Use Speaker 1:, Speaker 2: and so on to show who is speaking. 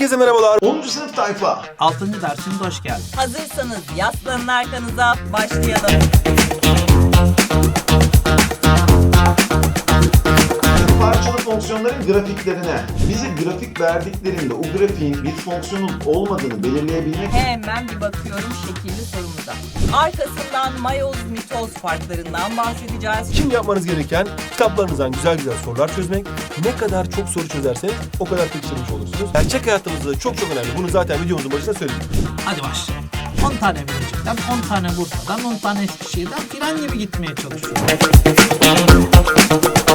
Speaker 1: Herkese merhabalar.
Speaker 2: 10. sınıf tayfa.
Speaker 3: 6. dersimize hoş geldin.
Speaker 4: Hazırsanız yaslanın arkanıza, başlayalım.
Speaker 2: Parçalı fonksiyonların grafiklerine. Bize grafik verdiklerinde o grafiğin bir fonksiyonun olmadığını belirleyebilmek
Speaker 4: Hemen bir bakıyorum şekilli sorumuza. Arkasından mayoz, mitoz farklarından bahsedeceğiz.
Speaker 1: Şimdi yapmanız gereken kitaplarınızdan güzel güzel sorular çözmek. Ne kadar çok soru çözerseniz o kadar pekiştirmiş olursunuz. Gerçek hayatımızda çok önemli. Bunu zaten videomuzun başında söyledik.
Speaker 3: Hadi başlayalım. 10 tane Bilecik'ten, 10 tane Bursa'dan, 10 tane Eskişehir'den filan gibi gitmeye çalışıyorum.